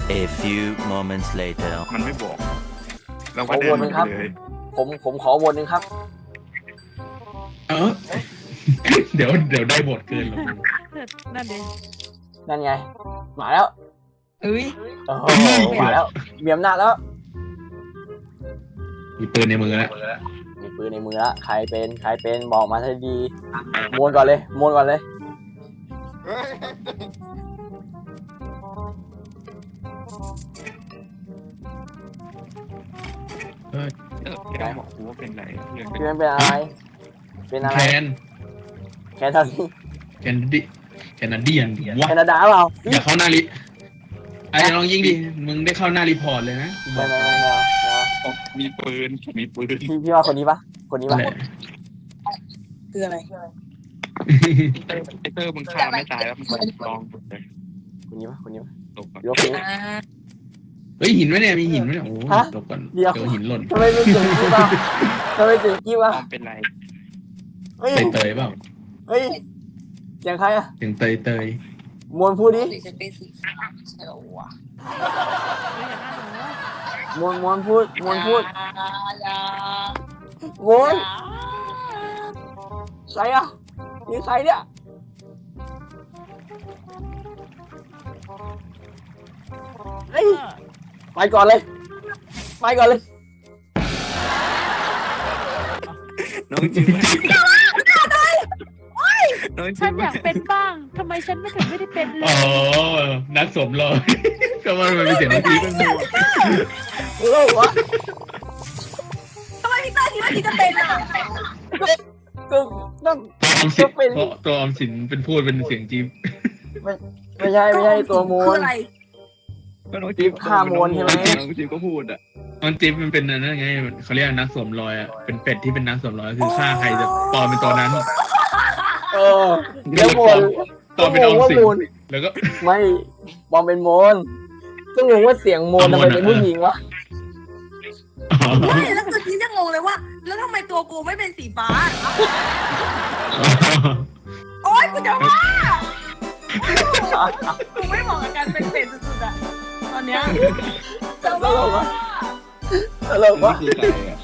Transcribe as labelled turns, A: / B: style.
A: A few moments later.
B: มันไม่บอกเรา
C: ข
B: ก็
C: อ
B: เดิ
C: วน นหนึ่งครับ
B: ไปเลย
C: ผมขอวนหนึ่งครับ
D: เออ เดี๋ยวได้บทเกินหรอก
E: นั่นเอง
C: นั่นไง มาแล้ว
E: เอ้ย
C: โอ้โหมาแล้วมีอำนาจแล้ว
D: มีปืนในมือแล้ว
C: มีปืนในมือละใครเป็นบอกมาให้ดีมวนก่อนเลยมวนก่อนเลย
B: แกบอกกูว่าเป็นไรเรื่อง
C: พี่เป็นอะไร เป็นอะไร
D: แคน
C: แคนาดา
D: แคนดิแคนาเดียนวะ
C: แคนาดาเปล่า
D: อย่าเข้าหน้าลิไอ้ลองยิงดิมึงได้เข้าหน้ารีพอร์ตเลยนะกูบ
C: ไม่
D: อก
C: ไม่ไม่เอา
B: มีปืนมีปืน
C: พี่ว่าคนนี้ปะคนนี้ปะ
D: แหละ
E: คืออะไร
B: ไอเตอร์มึงฆ่าไม่ตายแล้วมึงลองเลย
C: คนนี้ปะคนนี้ปะ
B: ตกก่อน
C: ยกนี้
D: เฮ้ยหินไหมเนี่ยมีหินไหมเนี่ยโอ้
C: ฮะ
D: ตกก่อน
C: เดี๋ยว
D: เจอหินหล่น
C: ทำไมไม่ถึงกี้วะทำไมถึงกี้วะ
B: ลองเป็นไร
C: เฮ้ย
D: เตยเปล่า
C: เฮ้ยเสียงใครอะ
D: ถึงเตย
C: มวนพูดดิ
E: ฉันเป็นสีฟ้าใช่หรอวะ
C: มวนพูดมวนพูด
E: อย่าม
C: วนใครอะนี่ใครเนี่ยเฮ้ยไปก่อนเลยไปก่อนเลย
B: น้องจิ๋วน้อง
E: ฉั
B: จิ๋
E: น
B: ว
E: อยากเป็นบ้างทำไมฉันไม่ถึงไม่ได้เป็นเล
D: อ๋อย นักสวมรอย ก็ว่ามันเป็นเสียงดนตรีเป็นมัว
C: เลิกวะ
E: ทำไมพี่ต้าคิดว่าพี่จะเป็นอ่ะ
C: ก็ต้อง
D: ตัวออมสินเพราะตัวออมสินเป็นพูดเป็นเสียงจี๊บ
C: ไม่ใช่ตัวมว
E: คื
C: ล
E: ออะไร
B: ก็น้องจิ๋ว
C: ฆ่ามวลใช่ไหม
B: น้องจิ๋วก็พูดอ่ะ
D: มันจิ๊บมันเป็นนั่นไงเขาเรียกนักสวมรอยอ่ะเป็นเป็ดที่เป็นนักสวมรอยคือฆ่าใครจะปลอมเป็นตัวนั้น
C: เออเดี๋ยวมวล
D: ปลอมเป็นออมสิน
C: มูล
D: แล้วก็
C: ไม่บอมเป็นมวลก็งงว่าเสียงมวลทำไมเป็นผู้หญิงวะ
E: ไม่แล้วคือพี่จะงงเลยว่า แล้วทำไมตัวกูไม่เป็นสีฟ้า โอ๊ยกูจะว่ากูไม่เหมาะกับการเป็นเป็ดสุดๆอะตอนเนี้ยจะว่า
C: ตลกวะ
B: นี่คือใครอ่ะ